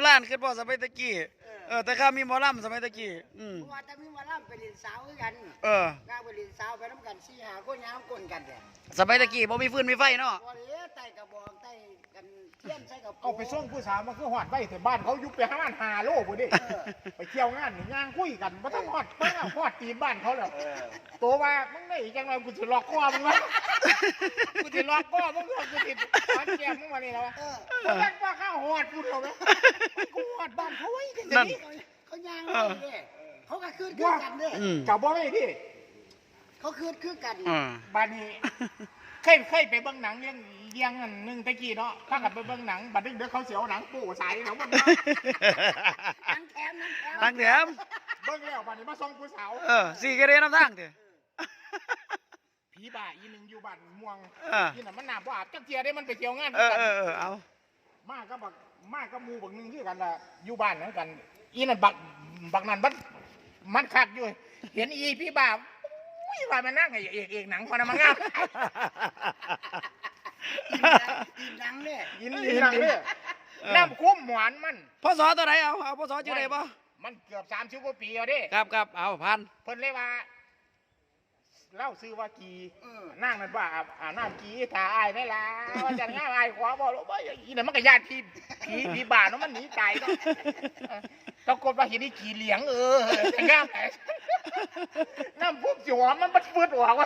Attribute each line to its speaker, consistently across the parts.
Speaker 1: ราณขึ้นพ่อสมัยตะกี้แต่ข้ามีหมอลำสมัยตะกี้
Speaker 2: ว่าแต่มีหมอลำไปเรียนสาวคือกันงานไปเรียนสาวไปน้ำกัน4-5คนยามกลนกันเนี่ย
Speaker 1: สมัยตะกี้บ่มีฟืนมีไฟเนาะ
Speaker 2: บ่เลยไต่กระบอกไต่กันเทียนใส่กับ
Speaker 3: เอาไปส่งผู้สาวมาคือหอดไว้แต่บ้านเขายุบไป5 โลบ่ดิไปเที่ยวงานนี่ย่างคุยกันบ่ต้องหอดเปิ้งหอดตีนบ้านเขาแล้วตัวว่ามึงได้จังไงกูสิล็อกคอมึงวะกูสิล็อกคอมึงกูสิฟันแก้มมึงมานี่แล้วบ่แม่นว่าข้าวหอดกูเท่ามั้ยกูหอดบ้านเขาไว้จังซี่
Speaker 2: เขาย่างเลยเขาก็คืนกันเด้
Speaker 3: กับบ่ได้พี่
Speaker 2: เขาคืนกัน
Speaker 3: บ้านนี้เคยไปเบิ่งหนังเรื่องอันนึงตะกี้เนาะถ้ากับไปเบิ่งหนังบัดนี้เดี๋ยวเขาเสียวหนังปู่สายแล้วมัน
Speaker 2: นังแถม
Speaker 1: เ
Speaker 3: บิ่งแล้วบัดนี้มาส่งผู้สาว
Speaker 1: สี่กระเด็นน้ำทางเถอะ
Speaker 3: ผีบ้าอีนึงอยู่บ้านม่วงที่นั่นมันน้ำบ่อาบจักเทียได้มันไปเที่ยวงาน
Speaker 1: เอา
Speaker 3: มากก็หมู่บักนึงคือกันล่ะอยู่บ้านเหมือนกันอีนั่นบักนั้นมันคักอยู่เห็นอีพี่บ้าว่ามันนั่งไอ้เอกหนังพอนะมันงาม
Speaker 2: อินหนังเนี่ย
Speaker 3: อินหนังเนี่ยน้ำคุ้มหวานมัน
Speaker 1: พศตัวไหนเอาพศชื่อไหนบ่
Speaker 3: มันเกือบ30 กว่าปีแล้วดิ
Speaker 1: ครับเอาพัน
Speaker 3: เพิ่นเลยว่าเล่าซื้อว่ากีนั่งนั่นว่าน้ำกีถ่าอายได้ละว่าจะง่ายอายขวาบ่รู้บ่อีนั่นมันก็ญาติผีบ้าเนาะมันหนีตายเนาะตะโกนว่าเห็นอีกีเหลียงแต่งามแหมน้ำพุ่มสิหอมมันฟืดออกว่า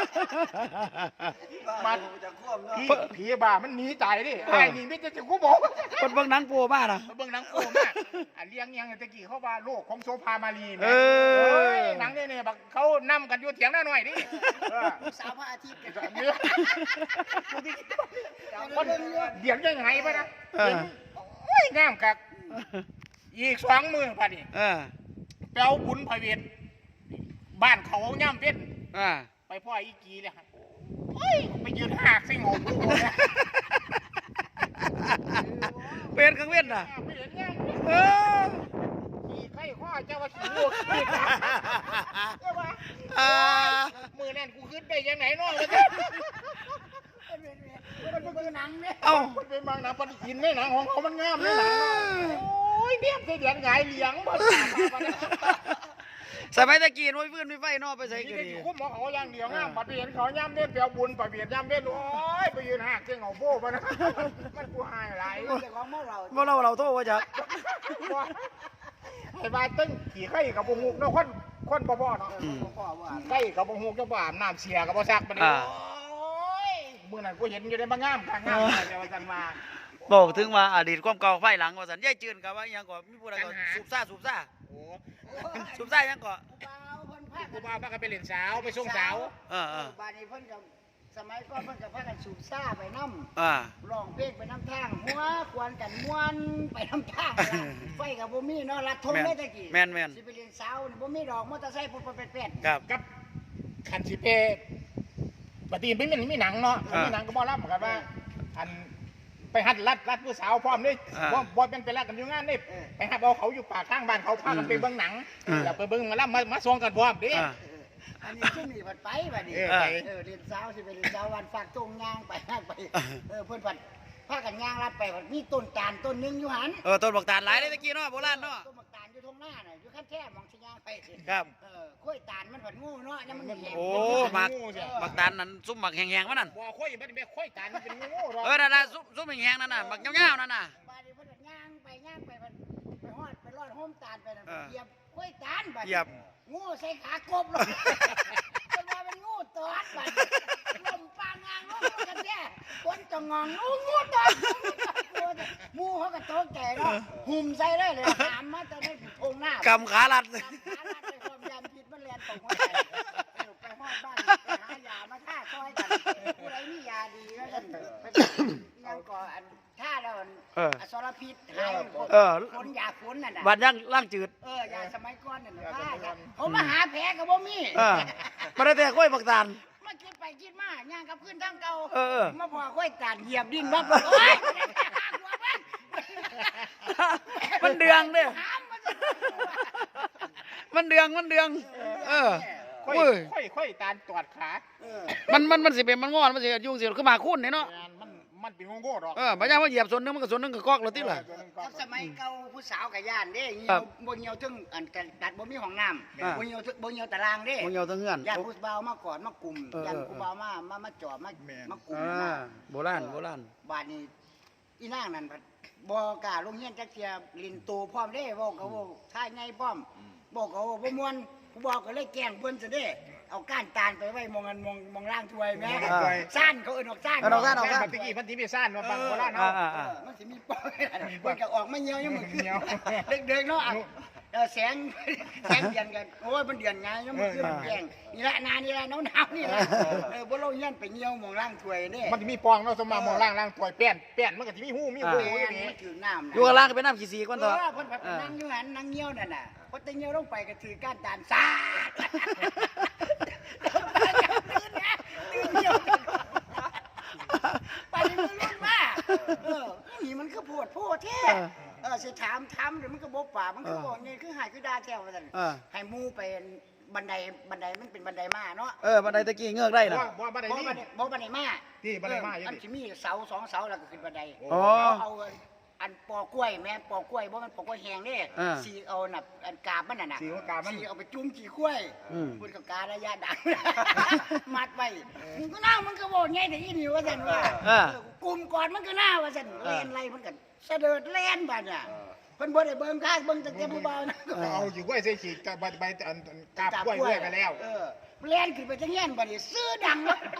Speaker 3: มันผีบ้ามันหนีตายดิไอ้นี่ไม่จะกูบอก
Speaker 1: คนเบิ่งหนังโป้มานะ
Speaker 3: เบิ่งหนังโป้มาเลี้ยงยังตะกี้เขาว่าโลกของโซภามาลีแม่หนังเนี่ยบักเขานำกันอยู่เถียงหน้าหน่อยดิ
Speaker 2: สาวพระอาทิตย์
Speaker 3: กันเยอะคนเดี๋ยวยังไงปะนะโอ้ยงามกักอีก2 มื้อพอดีเป้าบุญพระเวทบ้านเขาย่ำเป็นไปพ่ออีกีเลยครับไปยืนหักซิงหู
Speaker 1: เป็นกังเว้นน่ะ
Speaker 3: ไปเห็นยังขี่ไข่ข้อเจ้าว่าขี่ลูกเจ้าว่ามือนั่นกูขึ้นได้ยังไงน้องมัน
Speaker 2: เป็นหนังเนี่ย
Speaker 3: มันเป็นบางหนังปฏิทินไม่หนังของเขามันงามเลยหนังโอ้ยเบี้ยเสียงไงเหลียงหมด
Speaker 1: สมัยตะกี้น้อยฟื้นไม่ไฟนอกไปใส่กัน
Speaker 3: ดีคุ้มหมอเขาอย่างเดียวงามปฏิทินเขาย่ำเล่นเปียวบุญปฏิทินย่ำเล่นโอ้ยไปยืนหักเจ้าเขาโบ้ปะนะมันกูหายไหล
Speaker 1: เราโทษว่าจะ
Speaker 3: ไอ้บ้าตึ้งขี่ไข่กับบุหุกเนาะคนบ่บ่เนาะไข่กับบุหุกจะบ่อาบน้ำเสียกับบ่ซักปะเนี่ยเมื่อนั้นกูเห็นอยู่ในบางงามเดี๋ยวกันมา
Speaker 1: บอกถึงว่าอดีตความเก่าไฟหลังว่าสันย่ายจืนกับว่ายังก่อนมีผู้ใดก่อนสูบซ่ายังก่อน
Speaker 3: กูบ้าก็ไปเล่นสาวไปส่งสาว
Speaker 2: บ้านนี้เพิ่นกับสมัยก่อนเพิ่นกับพากันสูบซ่าไปน้ำร้องเพลงไปน้ำทางหัวควนกันม้วนไปน้ำทางไฟกับบ่มีเนาะรัดทงได้ตะกี้
Speaker 1: แม่น
Speaker 2: สิไปเล่นสาวบ่มีดอกมอเตอร์ไซค์เป็ด
Speaker 3: กับคันสิเปปฏิทินไม่มีหนังเนาะมีหนังก็บ่รับเหมือนกันว่าอันไปหัดรัดผู้สาวพร้อมนี่บอลเป็นไปรัดกันอยู่งานนี่ไปหัดเอาเขาอยู่ปากข้างบ้านเขาพากันไปเบิ้งหนังแล้วไปเบิ้งมาส่งกันพร้อมดิ
Speaker 2: อันนี้ขึ้นนี่ผัดไปแบบนี้เรียนสาวสิไปเรียนสาววันฝากตรงย่างไปเพื่อนผัดพากันย่างรับไปผัดมีต้นตาลต้นนึงอยู่หัน
Speaker 1: ต้นบักตาลหลายเลยตะกี้เนาะโบราณเนาะ
Speaker 2: ต้นบักตาลอยู่ตรงหน้าน่ะอยู่ขั้นแท้มองชิย่างไป
Speaker 1: ครับ
Speaker 2: ข้อยตาลมันผัดงูเนาะยังมันแห้ง
Speaker 1: บักตาลนั่นซุ่มบักแห้งๆมันนั่น
Speaker 3: บ่ข้อยมันเป็นข้อยตาลมันเป็นงู
Speaker 1: นั่นน่ะซุ่มแห้งๆนั่นน่ะบักเงาๆนั่นน่ะ
Speaker 2: บ้านนี้เพิ่นย่างไปฮอดไปรอดโฮมตาลไปนั่นเหยียบข้อยตาลบัดงูใส่ขากบเลยเป็นว่าเป็นงูตอดบัดลมปางงางงูกันแท้คนจะงองงูตอดมูเขาก็โตแก่เนาะหุ่มใส่เลยถามมาจะได้ทงหน้าก
Speaker 1: ำขาลัด
Speaker 2: เลยความยามพิษมันแรงตกหัวใจไปฮอดบ้านหายามาท่าซอยกันผู้ใดมียาดีก็จะยังก่ออันท่าเราอสรพิษหายคนยาฝนน่ะ
Speaker 1: บัดยังล่างจืด
Speaker 2: ยาสมัยก่อนน่ะผมมาหาแผลกับบ่มี
Speaker 1: มาได้แต่กล้วยบักตาล
Speaker 2: มาคิดไปคิดมาย่างกับพื้นทั้งเก่ามาพอค่อยตาดเหยียบดินบัก
Speaker 1: มันเดืองเนี่ยมันเดือง
Speaker 3: ค่อยตาลตอดขา
Speaker 1: มันสิเป็นมันงอนมันสิยุ่งสิขึ้นมาคุ้นเนาะ
Speaker 3: มันมันเป็นโง่ๆดอก
Speaker 1: บัดยามว่าเหยียบส่วนหนึงมันก็ส่วนหนึงก็กอกแล้วติล่ะ
Speaker 2: กับสมัยเก่าผู้สาวกับย่านเด้เหี่
Speaker 1: ครั
Speaker 2: ยว
Speaker 1: บ
Speaker 2: บ่เหี่ยวถึงอันตัดบ่มีห้องน้ำ
Speaker 1: อ่า
Speaker 2: บ่เหี่ยวถึงบ่เหี่ยวตารางเด้
Speaker 1: มันเหยียวทั้งเฮือน
Speaker 2: ย่านผู้บ่าวมากอดมากลุ่ม
Speaker 1: เออ
Speaker 2: ย่าน
Speaker 1: เออ
Speaker 2: ผู้บ่าวมาจอบมากลุ่ม
Speaker 1: อ่า
Speaker 2: นะ
Speaker 1: โบราณโบราณ
Speaker 2: บ้านนี้อีนางนั่นพัดบ่กล้าลงเฮียนจักเที่ยลินโตพร้อมเด้เว้าก็เว้าท่าไงพร้อมบอกก็เว้าบ่ม่วนผู้บ่าวก็เลยแกล้งเพิ่นซะเด้เอาก้านตาลไปไว้มองอันมองล่างถ้วยแม่ซ่านเขาเอิ้นออกซ่าน
Speaker 1: เอาซ่าน
Speaker 3: แม่ปฏิกี้พันธิพิซ่านมาบังโบราณเนาะ
Speaker 2: เออมันสิมีปอยเพิ่นก็ออกมาเหี่ยวยังมื้อคืนเด็กๆเนาะแสงเดือนกันโอ้ยมันเดือนไงยังมื้อคืนมันแกล้งนี่ละนานี่ละหนาวๆนี่ละบ่ลงเฮียนไปเหี่ยวมองล่างถ้วยเด้
Speaker 3: มันจะมีปองเนาะสมามองล่างตัวแป้นมันก็จะมีหูมีหู
Speaker 2: แม่
Speaker 3: อย่าง
Speaker 2: น
Speaker 3: นี้
Speaker 2: มันถือน้ำ
Speaker 1: อยู่ข้างล่างก็เป็นน้ำขี้สีก่อน
Speaker 2: เอ
Speaker 1: ต่อ
Speaker 2: อเพิ่นไปนั่งอยู่หันนั่งเหี่ยวนั่นน่ะพอแตเหี่ยวลงไปก็ถือก้านตาลสาดตื่นนะตื่นเหี่ยวไปนี่มันรุ่นมานี่มันคือโพดแท้สิถามเดี๋ยวมันก็บ่ปากมันคือบ่นี่คือหายคือด่าแท้ว่าซั่นให้หมู่ไปบันไดมันเป็นบันไดมาเนาะ
Speaker 1: บันไดตะกี้เงือกได้น่ะ
Speaker 3: ว่าบันไดนี่
Speaker 2: บ่บันไดมา
Speaker 3: ที่บันไดมาอยู่
Speaker 2: อัน
Speaker 3: นี่
Speaker 2: สิมีเสา2 เสาแล้วก็ขึ้นบันได
Speaker 1: อ๋อ
Speaker 2: เอาอันปอกล้วยแม่ปอกล้วยบ่มันปอกล้วยแห้งเด้สีเอาน่ะอันกาบมันน่ะ
Speaker 3: สีกามัน
Speaker 2: สีเอาไปจุ่มขี้กล้วย
Speaker 1: อืม
Speaker 2: พูดกับการะยะดัง มัดไว้มึงก็น่ามันก็บอกไงแต่อีนี่ว่าซั่นว่ากลุ่มก่อนมันก็น่าว่าซั่นเล่นไรมันก็เสด็จเล่นบัดน่ะเพิ่นบ่ได้เบิ่งข้างเบิ่งแต่ผู้เบานะ
Speaker 3: เอาอยู่กล้วยใส่ฉีกกับใบอันกาบกล้วยไปแล้ว
Speaker 2: เล่นขึ้นไปจังเงี้ยบัดนี้ซื้อดังแล้ว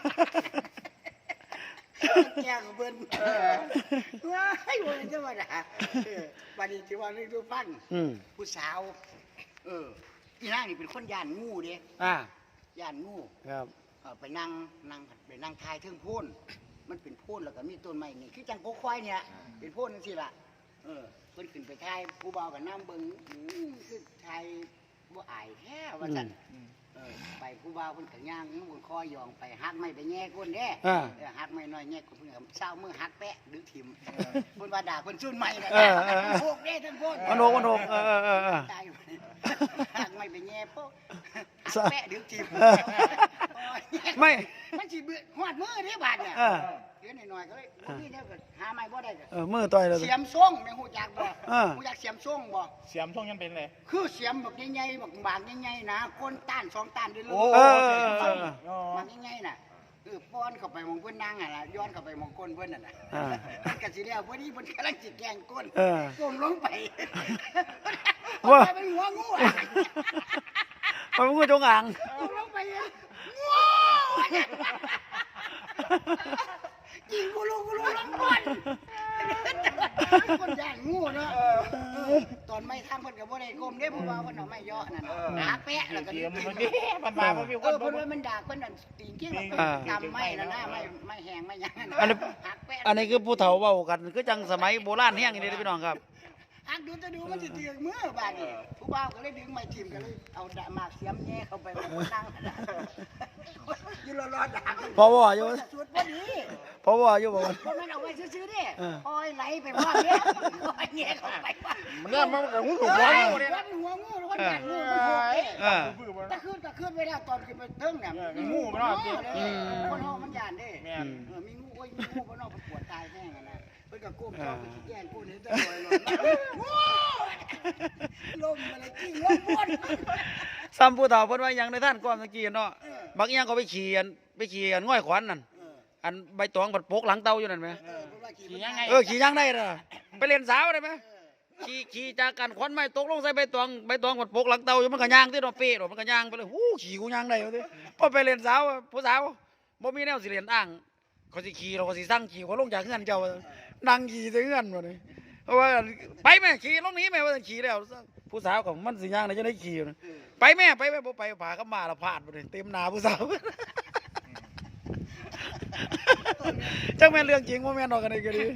Speaker 2: แกงเบิ่นว้ายว่าจังว่าน่ะบัดนี้สิว่าเรื่องดูฟัง ผู้สาวอีนางนี่เป็นคนย่านงูเด้ ย่านงู
Speaker 1: ครับ
Speaker 2: ไปนั่งทายเทิงโพ่นมันเป็นโพ่นแล้วก็มีต้นไม้นี่คือจังโกควายเนี่ยเป็นโพ่นจังซี่ล่ะเพิ่นขึ้นไปทายผู้บ่าวกับน้ำเบิ่งคือทายบ่อายแท้ว่าซั่นไปผู้บ่าวเพิ่นก็ย่างบนคอยองไปหักไม้ไปแง่ก้นเด้หักไม้น้อยแง่ก้นเพิ่นก็เช้ามือหักแปะดึกถิ่มเพิ่นว่าด่าเพิ่นซุ่นไม้น่ะโคกเด้ทั้งโพน
Speaker 1: มันโหก
Speaker 2: ตายหักไม้ไปแง่โป๊ะหักแปะดึกถิ่ม
Speaker 1: ไม่
Speaker 2: มันสิเบื่อหอดมือเด้บาดเนี่ยเดี๋ยวหน่อยๆก็เลยบ่มีแล้วก็หาไม้บ่ได้ก็
Speaker 1: มือต่อยเลย
Speaker 2: เสียมส่งแม่ฮู้จักบ่ฮู้จักเสียมส่งบ่
Speaker 3: เสียมช่วงยังเป็นเลย
Speaker 2: คือเสียมบักใหญ่ๆบักบางใหญ่ๆนะก้นต้าน2ต้านได้เลยมันใหญ่ๆน่ะป้อนเข้าไปมองเพิ่นนั่งอ่ะล่ะย้อนเข้าไปมองก้นเพิ่นนั่นน่ะมันก็สิแล้วพอดีเพิ่นกำลังสิแกล้งก้นก้มลงไปว่าเป็นหัวงูอ่ะ
Speaker 1: มันงูจงอาง
Speaker 2: ก้มลงไปงูยิงกูรู้ลงก่อนคนย่านงูเนาะตอนไม่ทำเพิ่นก็บ่ได้ก้มเด้ผู้บ่าวเพิ่นเอาไม้ย่อนั่นหาแปะแล้วก็
Speaker 3: เสียมมันดีมันมามันมีคน
Speaker 2: เพิ่นว่ามันด่าเพิ่นนั่นตีนกิ้งทำไม้นั่นนะไม่แห้งไม่หยังหักแปะ
Speaker 1: อันนี้คือผู้เฒ่าเว้ากันคือจังสมัยโบราณแห้งอย่างนี้พี่น้องครับ
Speaker 2: หักดูจะดูมันสิเตียงมือบาดนี้ผู้บ่าวก็เลยดึงไม้ทิ่มก็เลยเอาดาหมากเสียมแย่เข้าไปมันนั่งอยู่รอๆด่า
Speaker 1: พอว่าอยู่
Speaker 2: สุดพอดี
Speaker 1: เพราะว่าอยู่บอกว่า
Speaker 2: เพราะมันเอาไว้ซื้อๆดิคอยไหลไปว่าเนี้ยคอยแง่เข้าไปว่า
Speaker 3: มันเริ่มมันก็หูถูก
Speaker 2: หั
Speaker 3: ร้
Speaker 2: ว
Speaker 3: อง
Speaker 2: งูเนี่ยหัวงูแล้วก็แง่งูมันโหดตะคืนไปแล้วตอนขึ้นไปเทิงเนี่ยงูมันนอกคนนอกมันยานดิมีงูโอ้ยมีงูคนนอกมันปวดตายแห้งนะเพิ่นก็ก้มจ้องไปแย่งกูนี่ตะลอยลมอะไรกิ้งลมบน
Speaker 1: ซ้ำผู้เฒ่าเพิ่นว่าหยังในท่านก่อนเมื่อกี้เนาะบักอีหยังก็ไปขี่อันง่อยขวัญนั่นอันใบตองบัดโปกหลังเตาอยู่นั่นไหมขี่ยังได้ล่ะไปเล่นสาวได้ไหมขี่จากกันขวัญไม้ตกลงใส่ใบตองบัดโปกหลังเตาอยู่มันก็ย่างที่ดอกเป๊ะมันก็ย่างไปเลยหู้ขี่กูย่างได้เอาดิพอไปเล่นสาวผู้สาวบ่มีแนวสิเล่นอ้างเขาสิขี่เราก็สิสั่งขี่เขาลงจากเฮือนเจ้านั่งขี่ใส่เฮือนบ่นี่เพราะว่าไปแม่ขี่ลงนี้แม่ว่าขี่แล้วผู้สาวก็มันสิย่างได้จะได้ขี่ไปแม่บ่ไปพากับมาละพลาดบ่ได้เต็มหน้าผู้สาวจังแม่นเรื่องจริงบ่แม่นดอกกันนี่ก็ดี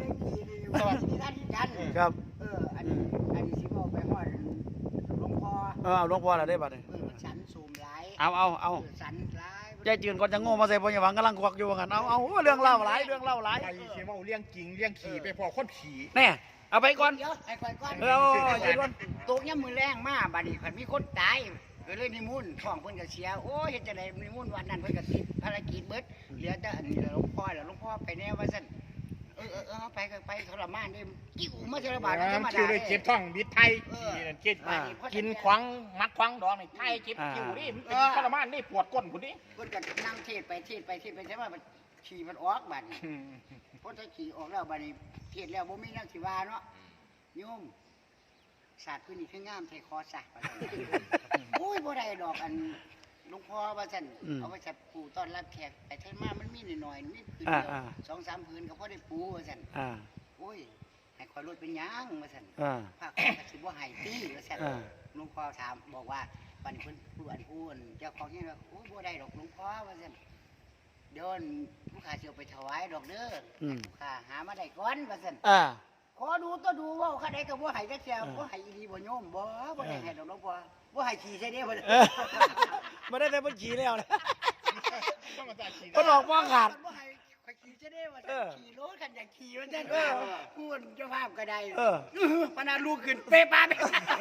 Speaker 1: ครับ
Speaker 2: อันนี้สิบอกไปฮอดหลวงพ่อ
Speaker 1: หลวงพ่อล่ะได้บัดนี้
Speaker 2: ฉันสูมหลาย
Speaker 1: เอา
Speaker 2: ฉันหลาย
Speaker 1: ใจจืนก่อนจะโง่มาใส่บ่อย่าหวังกำลังควักอยู่ว่างั้นเอาเรื่องเล่าหลาย
Speaker 3: ไอ้เสียมเอาเลี้ยงจริงเลี้ยงขี่ไปพอคนขี่
Speaker 1: แน่เอาไปก่อน
Speaker 2: เดี๋ยวไอ้ข่อยก่อน
Speaker 1: ยืนก่อน
Speaker 2: ตกย่ำมือแรงมาบัดนี้คันมีคนตายก็เลยนิมนต์ท้องเพิ่นก็เสียโอ้ยเฮ็ดจังได๋นิมนต์วันนั้นเพิ่นก็ติดภารกิจเบิดเหลือแต่อันนี้หลวงพ่อแล้วหลวงพ่อไปแน่ว่าซั่นเอาไปก็ไปทรมานเด้กิ้วมาเทระบาดธรรมดา
Speaker 3: คือเลยเจ็บท้องบิดไทยเจ็บกินขวางมัดขวางดองนี่ไทยเจ็บคิวนี่มันเป็นทรมานนี่ปวดก้นพุ่นนี่
Speaker 2: เพิ่นก็นั่งเทศไปใช่ว่ามันขี่มันออกบัดนี้พอถ้าขี่ออกแล้วบัดนี้เทศแล้วบ่มีแนวสิว่าเนาะโยมศาสตร์พื้นนี่คืองามใส่คอซะโอ้ยบ่ได้ดอกอันหลวงพ่อว่าซั่นเอาไปจัดปูต้อนรับแขกไปเทศมามันมีหน่อยๆมีพื้นเดียว 2-3 พื้นก็พอได้ปูว่าซั่นโอ้ยให้คอยรถเป็นหยังว่าซั่นพาข้าสิบ่ให้ตีว่าซั่นหลวงพ่อถามบอกว่าบัดนี้เพิ่นผู้อันผู้เจ้าของเฮ็ดว่าโอ้ยบ่ได้ดอกหลวงพ่อว่าซั่นเดี๋ยวลูกค้าสิเอาไปถวายดอกเด้อลูกค้าหามาได้ก่อนว่าซั่นขอดูตัวดูว่าคันใดก็บ่ให้จักเที่ยบ่ให้อีหลีบ่โยมบ่ได้ให้ดอกหลวงพ่อบ่ให้ขี้ใส่เด้บ่
Speaker 1: บ่ได้แต่บ่ขี่แล้วนะ
Speaker 3: ต้องมาจ่ายขี่
Speaker 1: บ่หลอกบ่ขาด
Speaker 2: บ่ให้ข่อยขี่ใส่เด้ว่าขี่รถคันอยากขี่ว่าซั่นพูดเจ้าภาพก็ได้พนาลูกขึ้นเปปาไป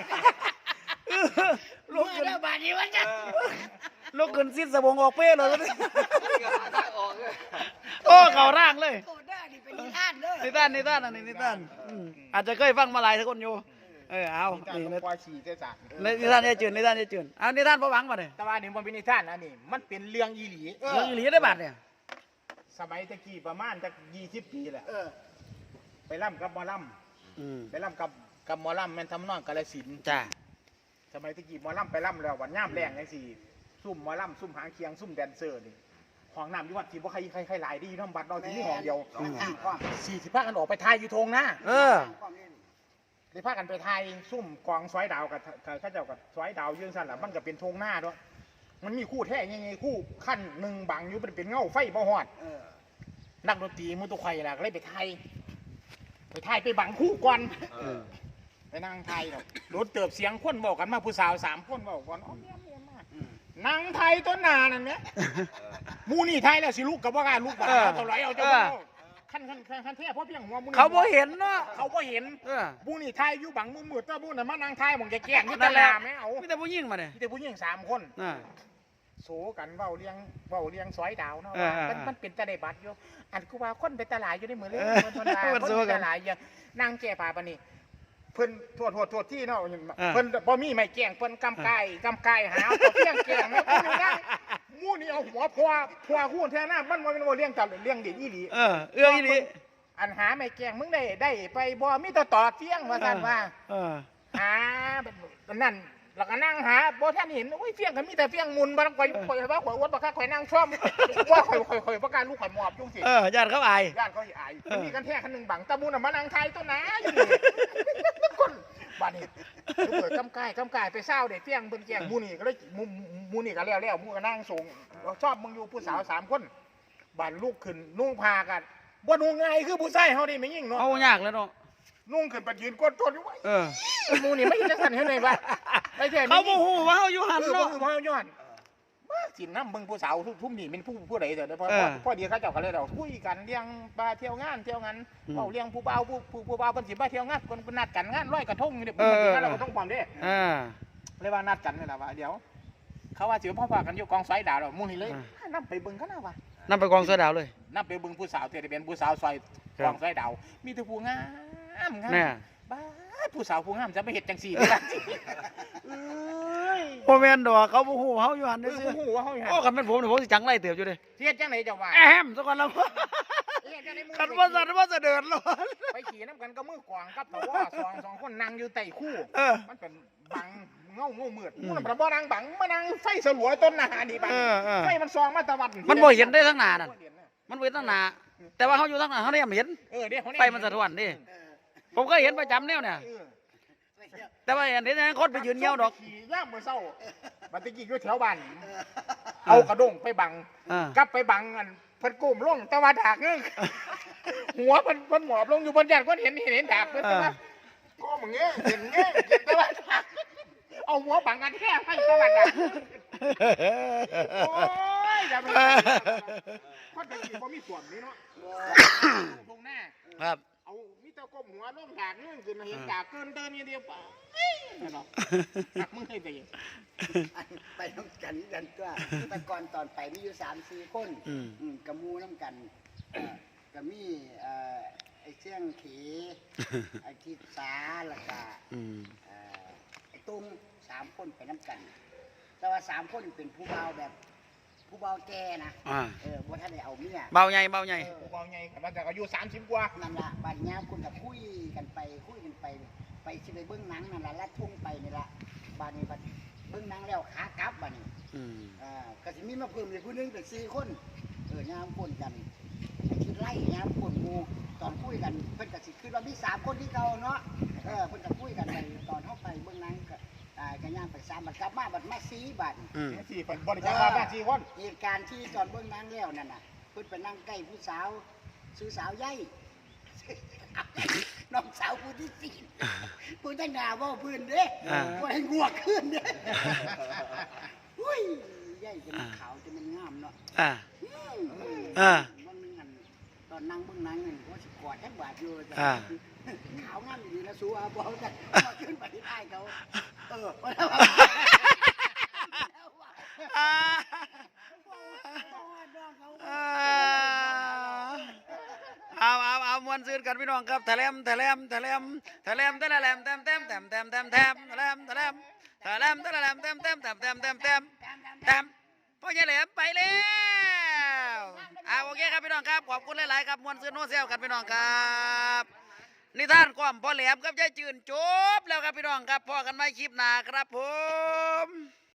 Speaker 2: ลูกขึ้นแล้วบาดนี้ว่าซั่น
Speaker 1: ลูกขึ้นสิ้นสบงออกเป้เลยโอ้เข้าร่างเลย
Speaker 2: โตได้นี่เป็นนิทานเด้อ
Speaker 1: นิทานอันนี้นิทานอาจจะเคยฟังมาหลายทุกคนอยู่เอา
Speaker 3: นี่
Speaker 1: นี่
Speaker 3: ต้องปล่อยขี่เสียจาก
Speaker 1: นิทานยายจืนนิทานยายจืนเอานิทานพระหวังมาเลย
Speaker 3: แต่ว่านี่มันเป็นนิทานอันนี้มันเป็นเรื่องอีหลี
Speaker 1: เรื่องอีหลีได้บาทเนี่ย
Speaker 3: สมัยตะกี้ประมาณจะ20 ปีแหละไปร่ำกับหมอร่ำไปร่ำกับหมอร่ำแม่นทำนองกาฬสินธุ์
Speaker 1: จ้า
Speaker 3: สมัยตะกี้หมอร่ำไปร่ำแล้ววันย่ามแรงจังซี่ซุ่มหมอร่ำซุ่มหางเคียงซุ่มแดนเซอร์นี่ห้องน้ำอยู่วัดที่บ่ใครหลายดีน้ำบัดเราที่นี่ห้องเดียว40พากันออกไปทายอยู่ทงนะได้พากันไปทายซุ่มกองสอยดาวกับข้าเจ้ากับสอยดาวยื่นสั่นล่ะมันก็เป็นทงหน้าด้วยมันมีคู่แท้ยังไงคู่ขั้นหนึ่งบังอยู่เป็นเงาไฟบ่ฮอดนักดนตรีมือตุกไข่ล่ะก็เลยไปทายไปบังคู่ก่อนไปนั่งทายเนาะรถเติบเสียงคนบอกกันมาผู้สาว3 คนบอกก่อนนั่งไทยต้นนานั่นเนี่ยมูนี่ไทยแล้วสิลูกกับว่ากล้าลูกบ้าเท่าไรเอาเจ้าขั้นแท้เพราะเพียงหัวมูนี่
Speaker 1: เขาบ่เห็นเนาะ
Speaker 3: เขาบ่เห็นมูนี่ไทยอยู่บังมือมืดตัวมูน่ะมานั่งไทยมองแก่ๆที่ต
Speaker 1: นั่นแหละ
Speaker 3: ลาดไม่เอา
Speaker 1: มีแต่ผู้หญิงมาเนี่ย
Speaker 3: มีแต่ผู้หญิง3 คนโสกันเว้าเลี้ยงซอยดาวเนาะมันเป็นตะได้บัตรอยู่อันกูว่าคนไปตลาดอยู่ในมือเลยคนไปตลาดอย่างนั่งแก่ป่าปนี่เพิ่นโทษที่เนาะเพิ่นบ่มีไม่แกล้งเพิ่นกำไก่หาตัวเพียงแกล้งเนาะเพิ่นนั่งมูนี่เอาหัวพัวคู่แท้หน้ามันบ่แม่นว่าเลี้ยงจับเลี้ยงเด็กอีหลี
Speaker 1: เอื้ออีหลี
Speaker 3: อันหาไม่แกล้งมึงได้ไปบ่มีแต่ต่อเที่ยงว่าซั่นว่าหาแบบนั้นแล้วก็นั่งหาบ่ท่านเห็นโอ้ยเฟี้ยงก็มีแต่เฟี้ยงมุนบ่ต้องข่อยว่าข่อยอดบ่คักข่อยนั่งชมว่าข่อยประการลูกข่อยหมอบจุงสิ
Speaker 1: ญาติเขาอาย
Speaker 3: ญาติเขาอายมีกันแท้คันนึงบังตะมูน่ะมานั่งทายต้นนาอยู่นี่คนบ้านนี้เปิดกำกายไปเศร้าเด็กเฟี้ยงเพิ่นแกล้งมูนี่ก็เลยมูนี่ก็แล้วมูก็นั่งส่งชอบมึงอยู่ผู้สาว3 คนบ้านลูกขึ้นนุ่งผ้ากันบ่นุ่งง่ายคือผู้ชายเฮานี่ไม่ยิ่งเนาะ
Speaker 1: เอายากแล้วเนาะ
Speaker 3: นุ่งขึ้นไปยืนก้นต้นอยู่ไว้มูนี่ไม่จะสั่นเฮ็ดได้บ่ได้แท้
Speaker 1: เขาบ่ฮู้ว่าเฮาอยู่หั่นเนาะ
Speaker 3: บ่ฮู้ย้อนมาสินำเบิ่งผู้สาวทุ่มนี่เป็นผู้ใดเด้อพอดีเขาเจ้าก็เลยเดาคุยกันเลี้ยงปลาเที่ยวงานเว้าเลี้ยงผู้บ่าวผู้บ่าวเพิ่นสิมาเที่ยวงานเพิ่นนัดกันงานลอยกระทงนี่เพิ่นสิมาลอยกระทงพร้อมเด้เลยว่านัดกันนี่ล่ะว่าเดี๋ยวเขาว่าสิพ่อพากันอยู่กองไฟดาวแล้วมูนี่เลยนำไปเบิ่งกันนะว่า
Speaker 1: นำไปกองเสือดาวเลย
Speaker 3: นำไปเบิ่งผู้สาวเที่เป็นผู้สาวซอยกองไฟดาวมีแต่ผู้งามบ้าผู้สาวผู้งามจะไม่เห็ดจังสี่ได้ล่ะ
Speaker 1: บ่แม่นดอกเขาบ่ฮู้เฮาอยู่หั่นซื่อ
Speaker 3: ผู้ว่าเฮาอยู่
Speaker 1: โอ้คันเป็นผมนี่ผมสิจังไล่เติบอยู่เด้
Speaker 3: เฮ็ดจังได๋เจ้าว่า
Speaker 1: ซะก่อนแล้วคันว่าสั่นว่าจะเดินแล้ว
Speaker 3: ไปขี่น้ำกันก็มือกวางกับตะว2 คนนั่งอยู่ใต้คู่มันเป็นบังเงามืดมันบ่นั่งบังมานั่งไฟสลัวต้นหน้านี่บังไฟมันส่องมาตะวัน
Speaker 1: มันบ่เห็นได้ทั้งหน้านั่นมันบ่เห็นทั้งหน้าแต่ว่าเฮาอยู่ทั้งหน้าเฮาได้เห็นไฟมันสะท้อนดิผมก็เห็นประจำแนวเนี่ยแต่ว่าเห็นคนไปยืนเงี้ยวดอก
Speaker 3: ขี่ย่ามมื้อเช้าบัดตะกี้อยู่แถวบ้านเอากระด้งไปบังกลับไปบังอันเพิ่นก้มลงแต่ว่าดากนึงหัวเพิ่นหมอบลงอยู่บนยันเพิ่นเห็นดากเพิ่นแต่ว่าก้มเงี้ยเห็นแต่ว่าเอาหัวบังกันแค่ให้แต่ว่าดากโอ้ยอย่าไปคนตะกี้บ่มีส่วนนี้เนาะตรงหน้า
Speaker 1: ครับ
Speaker 3: เอามีแต่ก้มหัวลงดากเรื่องขึ้นเห็นดากเกินเดินอย่างเดียวไปเนาะหักมึงให้ไป
Speaker 2: ไปน้ำกันตัวแต่ก่อนตอนไปมีอยู่3-4 คนกระมูน้ำกันก็มีไอ้เชียงเขไอ้ทิศสาแล้วก็ไอ้ตุ้ม3 คนไปน้ำกัน แต่ว่า3 คนเป็นผู้เบาแบบผู้เบาแก่นะบ่ท่านได้เอาเมีย
Speaker 1: เบาใหญ่
Speaker 3: กูบอกไงกันว่าจะอายุ30 กว่า
Speaker 2: นั่นล่ะบัดเนี้ยคุณก็คุยกันไปไปสิไปเบิ่งหนังนั่นล่ะลัดทุ่งไปนี่ล่ะบัดนี้บัดเบิ่งหนังแล้วขากลับบัดนี้ก็สิมีมาเพิ่มอีกผู้หนึงเป็น4 คนยามคนกันไอ้ที่ไล่ยามคนหมู่ตอนคุยกันเพิ่นก็สิคิดว่ามี3 คนที่เก่าเนาะเพิ่นก็คุยกันไปตอนเฮาไปเบิ่งหนังก็ย่างไป3บัดกลับมาบัดมา4บัด
Speaker 3: 4 คนบริจาคบ้าน4 คน
Speaker 2: เหตุการณ์ที่ตอนเบิ่งหนังแล้วนั่นน่ะเพิ่นไปนั่งใกล้ผู้สาวซื้อสาวใหญ่ น้องสาวผู้ที่4ผู้ตั้งหน้าเว้าพื้นเด้บ่ให้งวกขึ้นเด้อุ้ยใหญ่จะมันขาวจะมันงามเนาะมันนึงอันตอนนั่งเบิ่งหนังนี่ว่าสิกอดแทบบาดอยู่ขาวงามดีนะสู้เอาบ่กันพอขึ้นไปที่ท้ายเขา
Speaker 1: เอามวนซื่นกันพี่น้องครับแถลมพ่อใหญ่แหลมไปแล้วโอเคครับพี่น้องครับขอบคุณหลายๆครับมวนซื่นโน้เซลกันพี่น้องครับนิทานความพ่อแหลมกับยายจืนจบแล้วครับพี่น้องครับพอกันใหม่คลิปหน้าครับผม